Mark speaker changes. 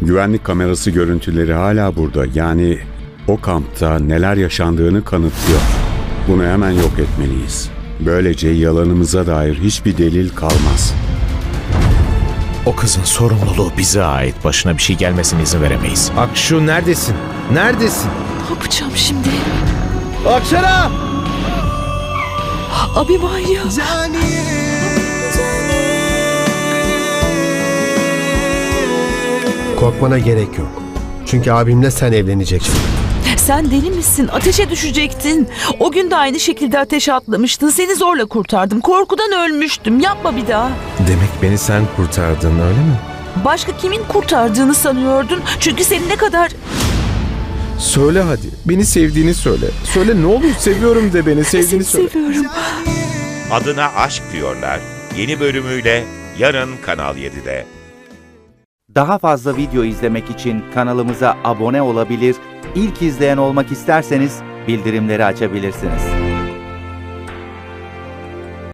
Speaker 1: Güvenlik kamerası görüntüleri hala burada. Yani o kampta neler yaşandığını kanıtlıyor. Bunu hemen yok etmeliyiz. Böylece yalanımıza dair hiçbir delil kalmaz.
Speaker 2: O kızın sorumluluğu bize ait. Başına bir şey gelmesine izin veremeyiz.
Speaker 3: Akşu neredesin? Neredesin?
Speaker 4: Ne yapacağım şimdi?
Speaker 3: Akşara!
Speaker 4: Abimanya.
Speaker 5: Korkmana gerek yok. Çünkü abimle sen evleneceksin.
Speaker 4: Sen deli misin? Ateşe düşecektin. O gün de aynı şekilde ateşe atlamıştın. Seni zorla kurtardım. Korkudan ölmüştüm. Yapma bir daha.
Speaker 3: Demek beni sen kurtardın öyle mi?
Speaker 4: Başka kimin kurtardığını sanıyordun? Çünkü seni ne kadar...
Speaker 3: Söyle hadi. Beni sevdiğini söyle. Söyle ne olur seviyorum de beni sevdiğini
Speaker 4: Seni
Speaker 3: söyle.
Speaker 4: seviyorum.
Speaker 6: Adına Aşk diyorlar. Yeni bölümüyle yarın Kanal 7'de.
Speaker 7: Daha fazla video izlemek için kanalımıza abone olabilir, ilk izleyen olmak isterseniz bildirimleri açabilirsiniz.